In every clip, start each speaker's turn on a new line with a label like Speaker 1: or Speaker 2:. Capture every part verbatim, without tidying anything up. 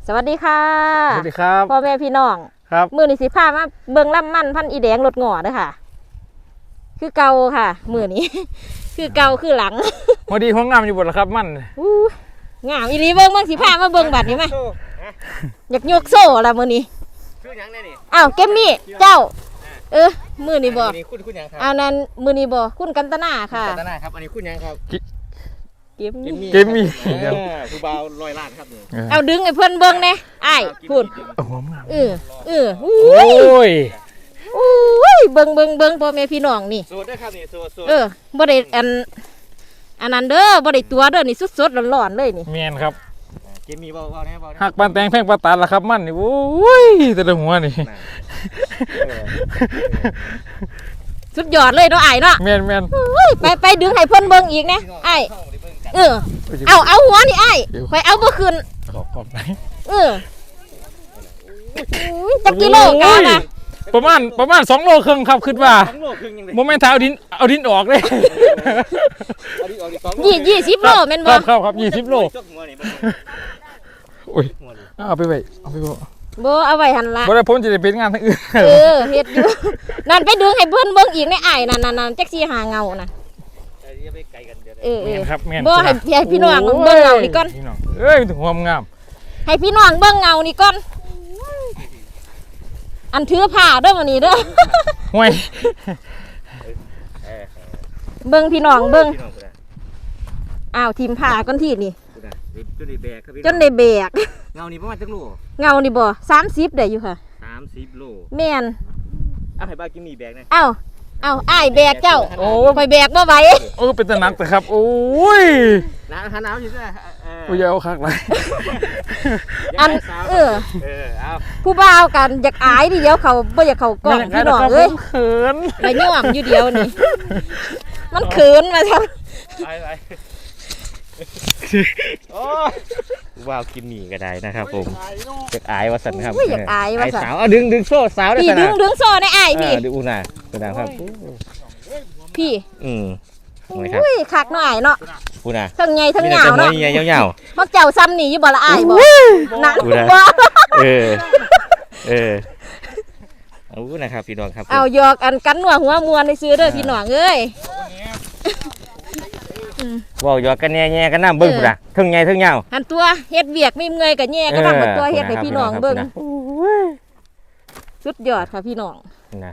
Speaker 1: สวัสดีค่ะ
Speaker 2: สวัสดีครับ
Speaker 1: พ่อแม่พี่น้องครับมือนี่สิพามาเบิ่งลำมันพันอีแดงรถงอเด้อค่ะคือเก่าค่ะมือนี้ คือเก่าคือหลัง
Speaker 2: พอดีห้องงามอยู่บนละครับมัน
Speaker 1: อู้งามอีหลีเบิ่งเบิ่งสิพามาเบิ่งบัดนี้ไหมอยากยกโซ่ละมือนี้
Speaker 3: คือหยังได้นี่
Speaker 1: อ้าวเกมมี่เจ้าเออมือนี้บ่
Speaker 3: คุณคุณหยังครับ
Speaker 1: อันนั้นมือนี้บ่คุณกันตนาค่ะ
Speaker 3: กันตนาครับอันนี้คุณหยังครับ
Speaker 1: เกมมี่
Speaker 2: เกมมี่
Speaker 3: ผู้บ่าวลอยล้านครับนี่
Speaker 1: เอาดึงไอ้เพิ่นเบิ่งแน่อ้ายพูดเออเออโอ้ยโอ้ยเบิ่งเบิ่งเบิ่งพ่อแม่พี่น้องนี่
Speaker 3: สูตรด้วยครับนี่สูตรสูตร
Speaker 1: เออบ่ได้อันอันนั้นเด้อบ่ได้ตัวเด้อนี่สดๆร้อนๆเลยนี่
Speaker 2: แม่นครับ
Speaker 3: เกมมี่เบาๆแน่เบา
Speaker 2: หักปานแตงแพงปลาตาละครับมันนี่โอ้ยแต่ละหัวนี่
Speaker 1: สุดยอดเลยเนาะอ้ายเนาะ
Speaker 2: แม่นแม่น
Speaker 1: ไปไปดึงให้เพิ่นเบิ่งอีกนะอ้ายเออเอาเอาหัวนี่อ้ายไปเอาบ่ขึ้น
Speaker 2: ขอบขอบไหน
Speaker 1: เออจักกิโลกันน่ะ
Speaker 2: ประมาณประมาณสองโลครึ่งครับคิดว่าโมเมนต์เอาดินเอาดินออกเลย
Speaker 1: ยี่ยี่สิบโลแม่นบ่
Speaker 2: ครับครับยี่สิบโลโอ้ยเอาไปไว้เอาไปบ่
Speaker 1: บ่เอาไว้หั่นล่ะ
Speaker 2: บ่ได้ผมจะได้เป็นงานทั้งอื่น
Speaker 1: เออเฮ็ดอยู่นั่นไปดึงให้เพิ่นเบิ่งอีกในอ้ายนั่นๆๆจักสิหาเงาน่ะเออๆครับบ่ให้ให้พี่น้องเบิ่งเงานี่ก่อน
Speaker 2: พี่น้องเอ้ยถึงความงาม
Speaker 1: ให้พี่น้องเบิ่งเงานี่ก่อนอันถือผ้าเด้อมื้อนี้เด้อ
Speaker 2: ห่วย
Speaker 1: เบิ่งพี่น้องเบิ่งอ้าวทีมผ้าก่อนที่นี่
Speaker 3: จนได้แบกครับพี่
Speaker 1: จนได้แบก
Speaker 3: เงานี่ประมาณจักโล
Speaker 1: เงานี่บ่สามสิบได้อยู่ค่ะ
Speaker 3: สามสิบโล
Speaker 1: แม่น
Speaker 3: เอาให้บ้ากินมีแบกนะ
Speaker 1: เอ้าเอาอ้ายแบกเจ้าโอ้ไปแบกบ่ไหว
Speaker 2: เออเป็นตะนักแต่ครับโอ้ย
Speaker 3: หนาวหนาวอยู่ซะ
Speaker 2: เออโอ้ยเอาคักเลย
Speaker 1: อันเออ
Speaker 3: เออเอา
Speaker 1: ผู้บ่าวกันอยากอายดิเดียวเขาบ่อยากเข้ากล้องพี่น้องเอ้ย
Speaker 2: เขิน
Speaker 1: ไปย่อมอยู่เดียวนี่มันเขินมาซั่น
Speaker 3: ไปไปโอ้ว้าวกินหมี่ก็ได้นะครับผมอยากอายว่าสันครับ
Speaker 1: อยากอายว่าสัน
Speaker 3: สาวเอาดึงดึงโซ่สาวได้
Speaker 1: พี่ดึงดึงโซ่ได้อายพี่
Speaker 3: ดึงอูน่ะอูน่ะครับ
Speaker 1: พี่
Speaker 3: อืม
Speaker 1: อุ้ยคักหน่อยเนาะ
Speaker 3: อูน่ะ
Speaker 1: ทั้งใหญ่ทั้งยาวเนาะ
Speaker 3: ใหญ่ยาว
Speaker 1: ๆมักเจ้าซ้ำนี่อยู่บ่ละอายบ่นั่น
Speaker 3: บ่เออเออเอานะครับพี่น้องครับ
Speaker 1: เอาหยอกอันกันหัวหัวมวนในซื้อเด้อพี่น้องเอ้ย
Speaker 3: ว้าวหยอกกันแง่ๆกันน้ำเบิ้งพุ่นน่ะทั้งใหญ่ทั้งยาว
Speaker 1: หันตัวเฮ็ดเวียกไม่เมื่อยกับแง่ก็ทำกับตัวเฮ็ดให้พี่น้องเบิ้งสุดยอดค่ะพี่น้อง
Speaker 3: นะ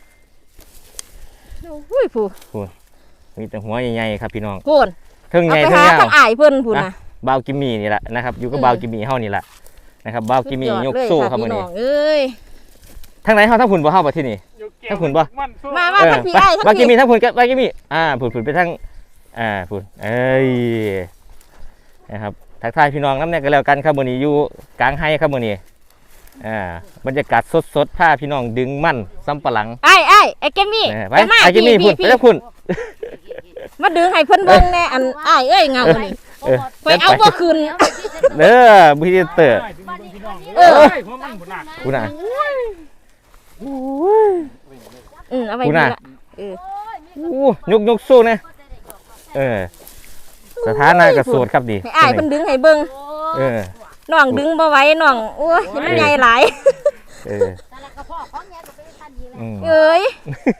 Speaker 1: โอ้ยผู้
Speaker 3: ผู้มีแต่หัวใหญ่ๆครับพี่น้อง
Speaker 1: พูน
Speaker 3: ทั้งใหญ่ทั้งยาว
Speaker 1: ทั้งอ้ายเพิ่นพูนนะ
Speaker 3: บ่าวกิมมี่นี่แหละนะครับอยู่กับบ่าวกิมมี่เฮานี่แหละนะครับบ่าวกิมมี่ยกโซ่ครับมื้อนี้
Speaker 1: เอ้ย
Speaker 3: ทั้งไหนเฮาทั้งพุ่นบ่เฮาบ่ที่นี่ทั้งพุ่นบ่
Speaker 1: มามาทั้งพี่อ้ายทั้งพี่
Speaker 3: บ่าวกิมมี่ทั้งพุ่นกับบ่าวกิมมี่อ่าพุ่นพุ่นไปทั้งอ่าพุ่นเอ้ยนะครับทักทายพี่น้องน้ำเนี่ยก็แล้วกันครับมื้อนี้อยู่กลางไฮครับมื้อนี้อ่าบรรยากาศสดๆพาพี่น้องดึงมันซ้ำปะหลัง
Speaker 1: ไอ้ไอ้ไอ้เกมมี่
Speaker 3: ไปไอ้เกมมี่พุ่นไปแล้วพุ่น
Speaker 1: มาดึงให้เพิ่นเบิ่งแน่อันไอ้เอ้ยเงานี่ไปเอาบ่ขึ้น
Speaker 3: เด้อพี่เตอร์
Speaker 1: เออ
Speaker 3: พุ่นน่ะ
Speaker 1: อือเอาไว้นี่ล่ะเออ
Speaker 3: อู้ยกยกสู้นะเออสถานะกระโสดครับดี
Speaker 1: ไอ้เพิ่นดึงให้เบิ่ง
Speaker 3: เออ
Speaker 1: น้องดึงบ่ไหวน้องโอ้ยมันใหญ่หลาย
Speaker 3: เออ
Speaker 1: เอ้ย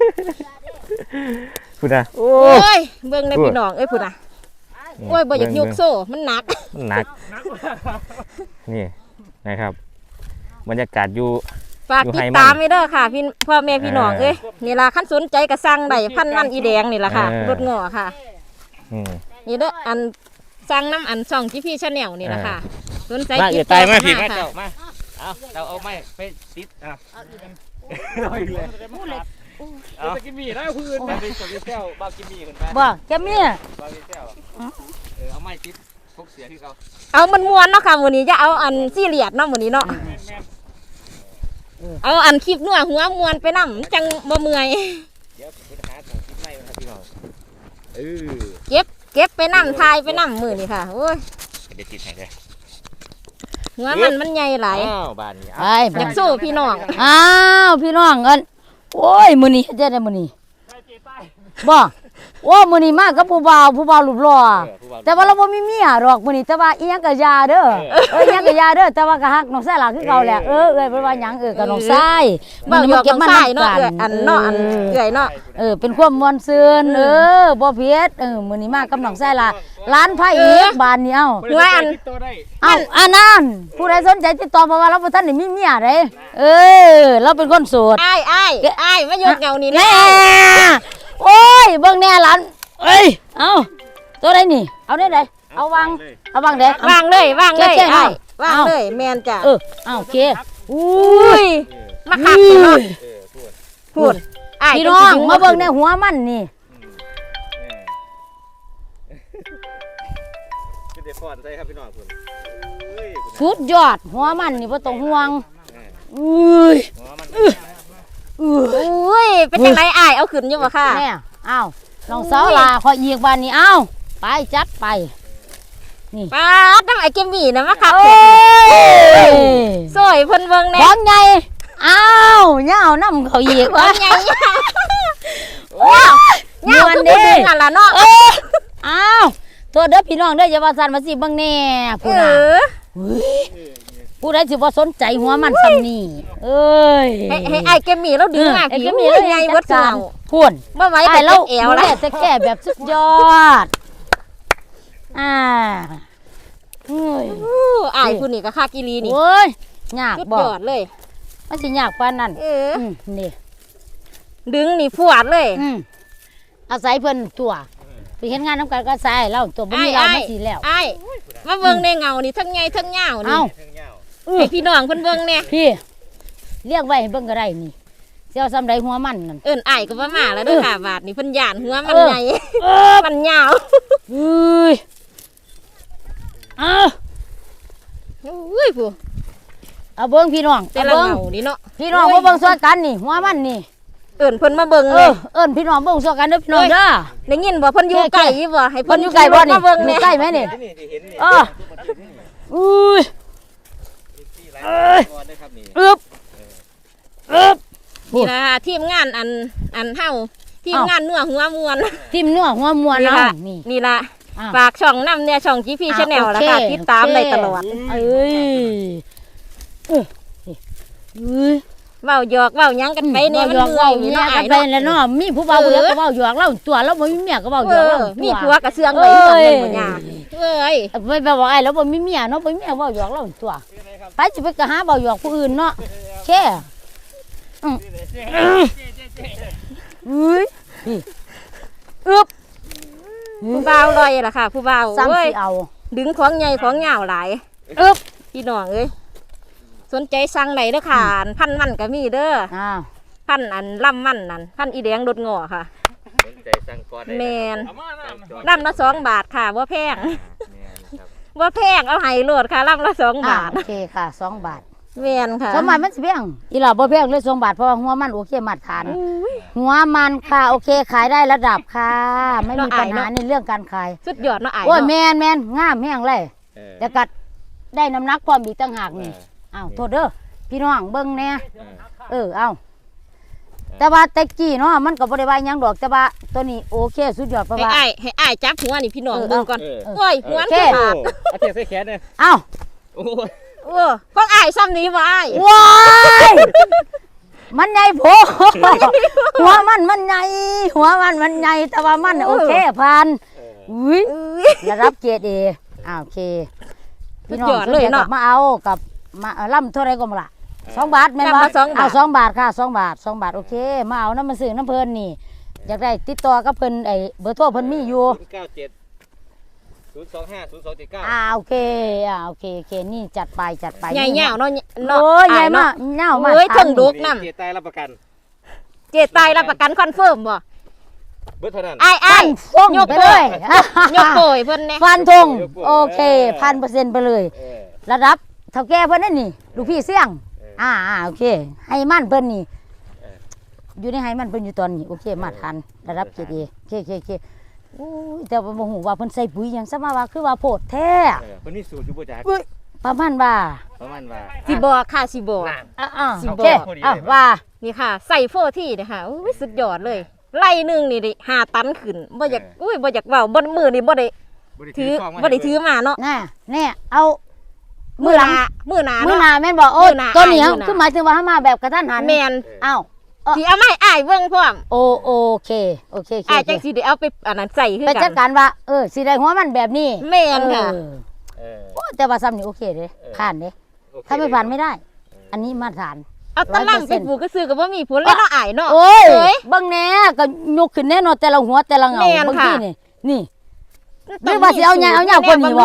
Speaker 3: พุ่นน่ะโอ้
Speaker 1: ยเบิ่งในพี่น้องเอ้ยพุ่นน่ะโอ้ยบ่อยากยกโซ่มันหนัก
Speaker 3: มันหนักนี่นะครับบรรยากาศอยู่
Speaker 1: ฝากติดตามไว้เด้อค่ะพี่พ่อแม่พี่น้องเอ้ยนี่ล่ะคันสนใจก็สั่งได้พันมันอีแดงนี่ล่ะค่ะรถงอค่ะนี่เด้ออันสั่งน้ำอันช่องที่พี่ชาแนลนี่ล่ะค่ะสนใจ
Speaker 3: ติดตามมาพี่มาเจ้ามาเอาเราเอาไม้ไปติดอ่ะเอาอีกเลยเอาไปกินหมี่ได้พื้นไปส่งไปเที่ยวบ้ากินหมี่คนไป
Speaker 1: บ่แกมี
Speaker 3: บ้าไปเที่ยวเออเอาไม้ติดพกเสียที่เขา
Speaker 1: เอามันม้วนเนาะค่ะวันนี้จะเอาอันซีเรียสเนาะวันนี้เนาะเอาอันคลิปนัวหัวม้วนไปนั่งจังบ่เมื่อย
Speaker 3: เดี๋ยวผมจะหาถังคลิปไม้มาครับพี่น้องเออ
Speaker 1: เก็บเก็บไปนั่งทายไปนั่งมือนี่ค่ะโอ้ย
Speaker 3: เดี๋ยวติดให้เลย
Speaker 1: หัวมันมันใหญ่หลาย
Speaker 3: อ้าวบ้านนี้
Speaker 1: อยากสู้พี่น้อง
Speaker 4: อ้าวพี่น้องเอิ้นโอ้ยมื้อนี้เฮ็ดได้มื้อนี้บ่โอ้มื้อนี้มากับผู้บ่าวผู้บ่าวรูปหล่อแต่ว่าเราบ่มีเมียดอกมื้อนี้แต่ว่าอีหยังก็ยาเด้อเอออีหยังก็ยาเด้อแต่ว่าก็ฮักน้องชายหล่ะคือเก่าแหละเออเอ้ยเพิ่นว่าหยังเออก็น้องชาย
Speaker 1: เว้าหยอกน้องชายเนาะเอื้อยอันเนาะอันเอื้อยเนาะ
Speaker 4: เออเป็นความม่วนซื่นเออบ่เพียดเออมื้อนี้มากับน้องชายหล่ะร้านไผอีกบ้านนี้เอ้า
Speaker 1: หัวอัน
Speaker 4: เอ้าอันนั้นผู้ใดสนใจติดต่อเพราะว่าเราบ่ทันได้มีเมียเด้เออเราเป็นคนโสด
Speaker 1: อ้ายอ้ายอ้ายมายกเงานี่
Speaker 4: แน่
Speaker 1: แน่
Speaker 4: โอ้ยเบิ่งแน่หลานเอ้ยเอาตัวใดนี่เอาได้ไดเอาวางเอาวางเด้
Speaker 1: วางเลยวางเลย
Speaker 4: แจ้งๆ
Speaker 1: อ้าย
Speaker 4: เอา
Speaker 1: วางเลยแมนจ้ะ
Speaker 4: เออเอาโอเคอุ้
Speaker 1: อุ้
Speaker 4: ย
Speaker 1: ยมาคักเนาะพูดอ้าย
Speaker 4: พี่น้องมาเบิ่งในหัวมันนี่
Speaker 3: คือเด็กก่อนใช่ครับพี่น้องคุณเฮ้ย
Speaker 4: สุดยอดหัวมันนี่บ่ต้องห่วงอุ้ย
Speaker 3: หัวมัน
Speaker 1: อุ้ยเป็นจังไดอ้ายเอาขึ้นอยู่บ่ค่ะ
Speaker 4: แน่อ้าวน้องสาวลาขออีกบ้านนี้เอ้าไปจัดไป
Speaker 1: ป้าดน้ำไอ้เกมมี่นะมาคัก
Speaker 4: โอ้ย
Speaker 1: สวยเพิ่นเบิ่งแน่
Speaker 4: ของใหญ่อ้าวเหย้าน้ำเขาอีก
Speaker 1: ขอ
Speaker 4: วะ
Speaker 1: งใหญ่
Speaker 4: ว้าว
Speaker 1: เงา
Speaker 4: ม่วน
Speaker 1: คือ
Speaker 4: เด้
Speaker 1: ผู้ดึงนั่นล่ะเนาะ
Speaker 4: อ้าวตัวเด้อพี่น้องเด้ออย่าว่าสั่นมาสิเบิ่งแน่
Speaker 1: เอ
Speaker 4: ผู้น่ะ
Speaker 1: อ
Speaker 4: เฮ้ยผู้ใดสิบ่สนใจหัวมันซำนี่เอ้ย
Speaker 1: ให้ให้ไอ้เกมมี่เราดึงมา
Speaker 4: ไอ้
Speaker 1: ผี
Speaker 4: ก็มี
Speaker 1: มี
Speaker 4: เรื่อง
Speaker 1: ใหญ่
Speaker 4: จั
Speaker 1: เบิ
Speaker 4: ด
Speaker 1: ด
Speaker 4: กา
Speaker 1: เงาร
Speaker 4: พุ่น
Speaker 1: บ่ไหว
Speaker 4: ไอ้
Speaker 1: แต่
Speaker 4: เรา
Speaker 1: เอว
Speaker 4: ดู
Speaker 1: แล้
Speaker 4: แล
Speaker 1: ว
Speaker 4: แต่แก่แบบสุดยอดอ่าเอ้ย
Speaker 1: อู้อ้ายผู้นี่ก็คักอีหลีนี่
Speaker 4: โอ้ยยาก
Speaker 1: สุด
Speaker 4: บ่
Speaker 1: ยอดเลย
Speaker 4: มันสิยากปานนั้น
Speaker 1: เออ
Speaker 4: อืมนี่
Speaker 1: ดึงนี่พวดเลย
Speaker 4: อืมอาศัยเพิ่นตัวไปเห็นงานน้ำกันก็อาศัยเราตัวบ่มีเรามาสิแล้ว
Speaker 1: ไอ้มาเบิ่งในเงานี่ทั้งใหญ่ทั้งยาวนี่
Speaker 4: เอ้า
Speaker 1: ให้พี่น้องเพิ่นเบิ่งแน่
Speaker 4: พี่เรียกไว้ให้เบิ่งก็ได้นี่เจ้าซ้ำใดหัวมันนั่น
Speaker 1: เอิ้นอ้ายก็บ่มาแล้วเด้อค่ะบาดนี่เพิ่นย่านหัวมัน
Speaker 4: เออ
Speaker 1: ใหญ่
Speaker 4: เออ
Speaker 1: มันยาว
Speaker 4: เอ้ยอ้าว
Speaker 1: อุ้ยผู้
Speaker 4: เอาเบิ่งพี่น้อง
Speaker 1: แต่
Speaker 4: เอา
Speaker 1: ละ
Speaker 4: เบิ่ง
Speaker 1: เงานี่เนาะ
Speaker 4: พี่น้องมาเบิ่งส่วนกันนี่หัวมันนี่
Speaker 1: เอิ้นเพิ่นมาเบิ่ง
Speaker 4: เอ
Speaker 1: แน่
Speaker 4: อเอิ้นพี่น้องเบิ่งส่วนกันเด้อพี่น้องเด้อ
Speaker 1: ได้ยินบ่เพิ่นอยู่ไกลอยู่บ่ให้
Speaker 4: เพิ่
Speaker 1: เพิ่
Speaker 4: น
Speaker 1: น
Speaker 4: อยู่ไกลบ่นี่
Speaker 1: มาเบิ่ง
Speaker 4: อ
Speaker 1: แน่
Speaker 4: ยู่ใกล้ไหมนี่
Speaker 3: นี่ที่เห็นนี่
Speaker 4: เอออุ้ย
Speaker 3: เอ้ยก่อนได้ครับนี่
Speaker 4: อึบอึบ
Speaker 1: นี่ล่ะค่ะทีมงานอันอันเฮาทีม
Speaker 4: เอ้า
Speaker 1: งานนัวหัวมวน
Speaker 4: ทิ่มเนื้อหัวมวน
Speaker 1: นี่
Speaker 4: เนาะ
Speaker 1: ล่ะ
Speaker 4: นี่
Speaker 1: นี่ล่ะ
Speaker 4: อ้าว
Speaker 1: ฝากช่องนำเนี่ยช่อง จี พี
Speaker 4: อ่ะ
Speaker 1: Channel
Speaker 4: โอเค
Speaker 1: แล้วค่ะติดตามได้ตลอด
Speaker 4: เอ้ยเอ้ยเอ้ย
Speaker 1: เว้าหยอกเว้าหยังกันไปเนี่ยมัน
Speaker 4: เว้าหยอก
Speaker 1: เมื่อ
Speaker 4: เว้าย
Speaker 1: นี่
Speaker 4: เมีย
Speaker 1: เนาะอ้าน ยเนาะ
Speaker 4: กัไปแล้วเนาะมีผู้บ่าวผู้เดียวก็เว้าหยอกเราตัวเราบ่มีเมียก็เว้าหย
Speaker 1: เอ
Speaker 4: อกเรา
Speaker 1: อ
Speaker 4: ตัว
Speaker 1: มีผัวกระเซื้องไว้สองเงินบ่ยาเอ้ย
Speaker 4: ไม่แบบว่าไอ้เราบ่มีเมียเนาะบ่มีเมียเว้าหยอกเราตัวไปสิไปก็หาเว้าหยอกผู้อื่นเนาะแค่อืมอุ้ยนี่อึบ
Speaker 1: ผู้บ่าวลอยล่ะค่ะ ผู้บ่าว
Speaker 4: ซ้ำ
Speaker 1: เอ้ย
Speaker 4: สิเอา
Speaker 1: ดึงของใหญ่ของยาวหลาย
Speaker 4: อึบ
Speaker 1: พี่น้องเอ้ยสนใจสั่งได้เด้อค่ะพันมันก็มีเด้อ
Speaker 4: อ้าว
Speaker 1: พันอันล่ำมันนั่นพันอีแดงรถงอค่ะ
Speaker 3: สนใจสั่งก่อนได้
Speaker 1: แมน
Speaker 2: เอามาน้ำ
Speaker 1: ล่ำละสองบาทค่ะว่าแพง
Speaker 3: แม่นครับ
Speaker 1: ว่าแพงเอาให้โลดค่ะล่ำละสอง
Speaker 4: อ่า
Speaker 1: บาท
Speaker 4: โอเคค่ะสองบาท
Speaker 1: แมนค่ะ
Speaker 4: สองบาทมันสิเพียงอีหล่าบ่เพียงเลยสองบาทเพราะว่าหัวมันโอเคมาตรฐาน
Speaker 1: อุ้ย
Speaker 4: หัวมันค่ะโอเคขายได้ระดับค่ะ ไม่มี
Speaker 1: เนาะ
Speaker 4: ปัญหา
Speaker 1: อายเนาะ
Speaker 4: ในเรื่องการขาย
Speaker 1: สุดยอดเนาะไอ้าย
Speaker 4: โอ้ยแม
Speaker 1: เนาะ
Speaker 4: นแมนงามแห้งเลย
Speaker 3: เออ
Speaker 4: แต่กัดได้น้ำหนักความอีกต่างหาก
Speaker 3: เอ
Speaker 4: นี่
Speaker 3: อ
Speaker 4: อ้าวโทษเด้อพี่น้องเบิ่งแน่
Speaker 3: เออ
Speaker 4: เออเอาแต่ว่าแตะกี้เนาะมันก็บ่ได้ว่าหยังดอกแต่ว่าตัวนี้โอเคสุดยอดเพราะ
Speaker 1: ให้
Speaker 4: ว่า
Speaker 1: อ้ายให้อ้ายจับหัวนี่พี่น้อง
Speaker 4: เออ
Speaker 1: เบิ่งก่อน
Speaker 3: เออ
Speaker 1: โอ้ยหัวมัน
Speaker 4: โอเค
Speaker 1: คือขาด
Speaker 3: เอาเทียบใส่แขนเลย
Speaker 4: เอ้า
Speaker 3: โอ้ย
Speaker 1: เออของอ้ายซ้ำนี้บ่อ้าย
Speaker 4: ว้ายมันใหญ่โพหัวมันมันใหญ่หัวมันมันใหญ่แต่ว่ามันน่ะโอเคผ่าน
Speaker 3: เออ
Speaker 4: อุ้ย
Speaker 1: อุ้ย
Speaker 4: ระดับเกรดเออ่าโอเค พี่น้อง
Speaker 1: สุดยอดเลยเนาะ
Speaker 4: สใจกับมาเอากับมาเอาล่ำเท่าไรก็มาละสองบาทแม่น
Speaker 1: ล่ำ
Speaker 4: บ่
Speaker 1: ละสองบาท
Speaker 4: เอาสองบาทค่ะสองบาทสองบาทโอเค มาเอาน้ำมันซื้อน้ำเพลินนี่ อยากได้ติดต่อกับเพิ่นไอ้เบอร์โทรเพิ่นมีอยู่
Speaker 3: ศูนย์เก้าเจ็ดศูนย์สองห้าศูนย์สองเจ็ดเก้า
Speaker 4: อ่าโอเคอ่าโอเคโอเคนี่จัดไปจัดไป
Speaker 1: ใหญ่ยาวเนาะเนาะ
Speaker 4: โอ้ยใหญ่
Speaker 1: อ้
Speaker 4: มากเน่ามา
Speaker 1: เอ้ย
Speaker 4: ทาน
Speaker 1: ถึงดุ น้ำ
Speaker 3: เกียรติใต้รับประกัน
Speaker 1: เจตายรับประกันคอนเฟิร์มบ่
Speaker 3: เบิดเท่านั้น
Speaker 1: อ้ายอ้า
Speaker 4: ฟั
Speaker 1: ย
Speaker 4: นส่ง
Speaker 1: ยก
Speaker 4: ไปเลย
Speaker 1: ยกโกยเพิ่นแน่
Speaker 4: ฟันธงโอเคพันเปอร์เซ็นต์ไปเลย
Speaker 3: เออ
Speaker 4: ระดับเท่าแก่เพิ่นนั่นนี่ลูกพี่เสี่ยง
Speaker 3: เออ
Speaker 4: อ่าอ่าโอเค ให้มันเพิ่นนี่
Speaker 3: เออ
Speaker 4: อยู่ในให้มันเพิ่นอยู่ตอนนี้โอเคมาทันระดับเกรดเอโอเคโอเคโอเคโอ้ยแต่ว่าบ่ฮู้ว่าเพิ่นใส่ปุ๋ยหยังซะมาว่าคือว่าโพดแท้
Speaker 3: เออคนนี้สูตรอยู่บ่จัก
Speaker 4: ประมาณว่า
Speaker 3: ประมาณว่า
Speaker 1: สิบอกค่ะสิบอก
Speaker 3: น่ะ
Speaker 4: อ่าอ่า
Speaker 1: สิ
Speaker 4: โอ
Speaker 1: บอก
Speaker 4: เคอ่ะว่า
Speaker 1: นี่ค่ะ ใส่โฟที่เนี่ยค่ะอุ้ยสุดยอดเลยไล่หนึงนี่ดิห้าตันขึ้นบ่อยากอุ้ยบ่อยากเว้าบ่มือนี่บ่ได้ถือบ่ได้ถือมาเนาะ
Speaker 4: น่ะแน่เอา
Speaker 1: มื
Speaker 4: มื
Speaker 1: อ
Speaker 4: อห
Speaker 1: ห
Speaker 4: ลัง
Speaker 1: นามือหนา
Speaker 4: มือ
Speaker 1: เนาะ
Speaker 4: หน้าแม่นบ่โอ้
Speaker 1: มื้อหน้า
Speaker 4: ตัวนี้
Speaker 1: อ้าย
Speaker 4: เฮา
Speaker 1: มื้อหน้า
Speaker 4: คือหมายถึงว่าเฮามาแบบกระทันหัน
Speaker 1: แม่น
Speaker 4: อ้าว
Speaker 1: สิเอาไม้อ้ายเบิ่งพร้อม
Speaker 4: โอโอเคโอเคโอเค
Speaker 1: อ้ายจังสิได้เอาไปอันนั้นใส่คือ
Speaker 4: ไป
Speaker 1: กั
Speaker 4: จัด
Speaker 1: น
Speaker 4: การว่าเออสิได้หัวมันแบบนี้
Speaker 1: แม่นค่ะ
Speaker 4: เออ
Speaker 3: เออ
Speaker 4: โอ้แต่ว่าซ้ำนี่โอเคเด้ผ่านเด้
Speaker 3: โอเค
Speaker 4: ถ้าไม่ผ่านไม่ได้ อันนี้มาตรฐาน
Speaker 1: เอาตะลังไปปลูกก็ซื้อก็บ่มีผลเลยเนาะอ้ายเนาะ
Speaker 4: โอ้ย
Speaker 1: เอ้ย
Speaker 4: เบิ่งแหน่ก็ยกขึ้นแน่นอนแต่ละหัวแต่ละเงา
Speaker 1: แม่น
Speaker 4: บาง
Speaker 1: ค่ะ
Speaker 4: ทีนี่นี่ หรือว่าสิเอาหยังเอาหยังกว่านี้บ่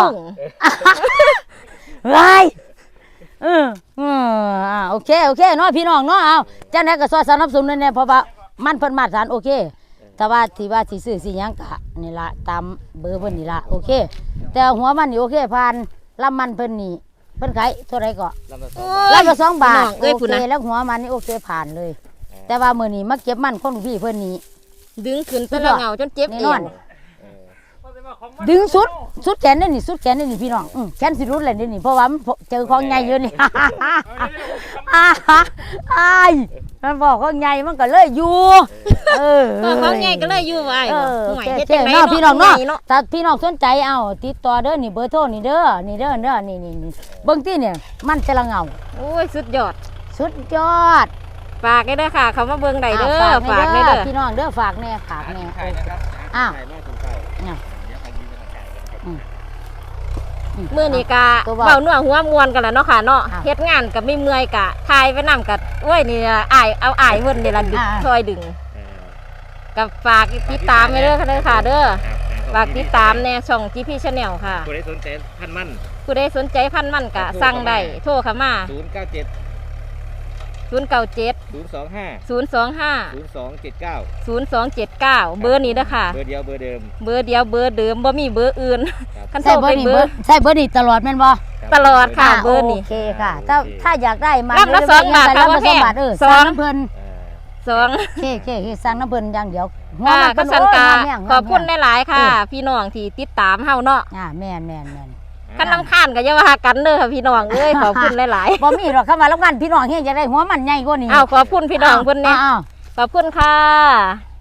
Speaker 4: ไรเออเอออ่าโอเคโอเคเนาะพี่น้องเนาะเอาจังได๋ก็ซอยสนับสนุนแน่ๆเพราะว่ามันเพิ่นมาตรฐานโอเค แต่ว่าที่ว่าสิซื้อสิหยังก็นี่ล่ะตามเบอร์เพิ่นนี่ล่ะโอเค แต่หัวมันนี่โอเคผ่านลำมันเพิ่นนี่เพิ่นขายเท่าไหร่ก็
Speaker 3: ลำละสอง
Speaker 1: โอ้
Speaker 3: บาท
Speaker 1: ย
Speaker 4: ลำละสองบาท
Speaker 1: พี่น้องเอ้ย
Speaker 4: โอ
Speaker 1: พุ่น
Speaker 4: เค
Speaker 1: น่ะ
Speaker 4: แล้วหัวมันนี่โอเคผ่านเลย แต่ว่ามื้อนี้มาเก็บมันคนพี่เพิ่นนี่
Speaker 1: ดึงขึ้นแต่ละเงาจนเจ็บ
Speaker 4: แน่
Speaker 1: เอน
Speaker 4: อน
Speaker 1: ว
Speaker 4: ดึงสุดสุดแขนได้นี่สุดแขนได้นี่พี่น้องอือแขนสิรุดเลยเด้นี่เพราะว่ามันเจอของใหญ่อยู่นี่ อ้าอ้ายมันบอกของใหญ่มันก็เลยอยู่เออ
Speaker 1: ก็ของใหญ่ก็เลยอยู่ไว้
Speaker 4: เออ
Speaker 1: ห่
Speaker 4: โอ
Speaker 1: วย
Speaker 4: เค
Speaker 1: เฮ็
Speaker 4: โอ
Speaker 1: ด
Speaker 4: เค
Speaker 1: จังได๋
Speaker 4: เนาะพี่น้องเนาะ
Speaker 1: เนาะ
Speaker 4: ถ้าพี่น้องสนใจเอาติดต่อเด้อนี่เบอร์โทรนี่เด้อนี่เด้อเด้อนี่นี่นี่เบิ่งที่เนี่ยมันแต่ละเงา
Speaker 1: โอ้ยสุดยอด
Speaker 4: สุดยอด
Speaker 1: ฝากได้เด้อค่ะ เขามาเบิ่งได้เด้อ
Speaker 4: อ่า
Speaker 1: ฝาก
Speaker 4: แน่
Speaker 1: ได้เด้อ
Speaker 4: พี่น้องเด้อฝากแน่ฝากแน่
Speaker 3: ใช่นะครับ
Speaker 4: อ้าว
Speaker 3: ใช่มากสนใจ
Speaker 4: เนี่ย
Speaker 3: เดี๋ยวใครยืนกำลังใจกันนะครับ
Speaker 4: อืม
Speaker 1: มื้อนี้กะ
Speaker 4: ตัวเว้า
Speaker 1: เว้านัวหัวมวนกันแล้วเนาะค่ะเนาะ
Speaker 4: อ่า
Speaker 1: เฮ็ดงานก็ไม่เมื่อยกะทายไปนำกะโอ้ยนี่ล่ะอ้ายเอาอ้ายเพิ่นนี่ล่ะดึง
Speaker 4: อ่า
Speaker 1: ช่วยดึง
Speaker 3: เออ
Speaker 1: กับฝากติดตามไว้เด้อค่ะเด้อค่ะเด้อ
Speaker 3: ครับ
Speaker 1: ฝากติดตามแน่ช่อง จี พี Channel ค่ะ
Speaker 3: ผู้ใดสนใจพันมั่น
Speaker 1: ผู้ใดสนใจพันธุ์มันกะสั่งได้โทรเข้ามา
Speaker 3: ศูนย์เก้าเจ็ด
Speaker 1: ศูนย์ เก้า เจ็ด
Speaker 3: ศูนย์สองห้า
Speaker 1: ศูนย์ สอง ห้า
Speaker 3: ศูนย์สองเจ็ดเก้า
Speaker 1: ศูนย์ สอง เจ็ด เก้า เบอร์นี้เด้อค่ะ
Speaker 3: เบอร์เดียวเบอร์เดิม
Speaker 1: เบอร์เดียวเบอร์เดิมบ่มีเบอร์อื่น
Speaker 3: ครับ
Speaker 1: คันโท
Speaker 4: ใช่
Speaker 1: ร
Speaker 4: เบอ
Speaker 1: ไป
Speaker 4: ร์นี่
Speaker 1: เบ
Speaker 4: เบ
Speaker 1: อ
Speaker 4: อ
Speaker 1: ร์
Speaker 4: ร์ใช่เบอร์นี่ตลอดแม่นบ่
Speaker 3: ครับ
Speaker 1: ตลอดค่ะ
Speaker 4: อ่า
Speaker 1: เบอร์นี่
Speaker 4: โอเคค่ะ ถ้าถ้าอยากได้มัน
Speaker 1: ลำละสองบาทค่ะ
Speaker 4: ลำละสองบาทเออ
Speaker 1: สอง
Speaker 4: สั่งน้ำเพิ่น
Speaker 3: เออ
Speaker 1: สอง
Speaker 4: โอเคโอเคโอเคสั่งน้ำเพิ่นอย่างเดียวหัว
Speaker 1: ค่ะ
Speaker 4: มัน
Speaker 1: ก็
Speaker 4: เพิ่น
Speaker 1: สัน
Speaker 4: โอ้ย
Speaker 1: กา
Speaker 4: งามแม่ง
Speaker 1: ขอบคุณ
Speaker 4: งามแม่ง
Speaker 1: หลายๆค่ะ
Speaker 4: เออ
Speaker 1: พี่น้องที่ติดตามเฮาเนาะ
Speaker 4: อ่าแม่นแม่นแม่น
Speaker 1: คันลำคาญก็อย่าว่ากันเด้อค่ะพี่น้องเอ้ยขอบคุณหลาย
Speaker 4: บ่มีหรอกคำว่ารับงานพี่น้องเฮ็ดอยากได้หัวมันใหญ่กว่านี้
Speaker 1: ๆอ้าวขอบคุณพี่น้องเพิ่นเนี่ย
Speaker 4: อ้าว
Speaker 1: ขอบคุณค่ะ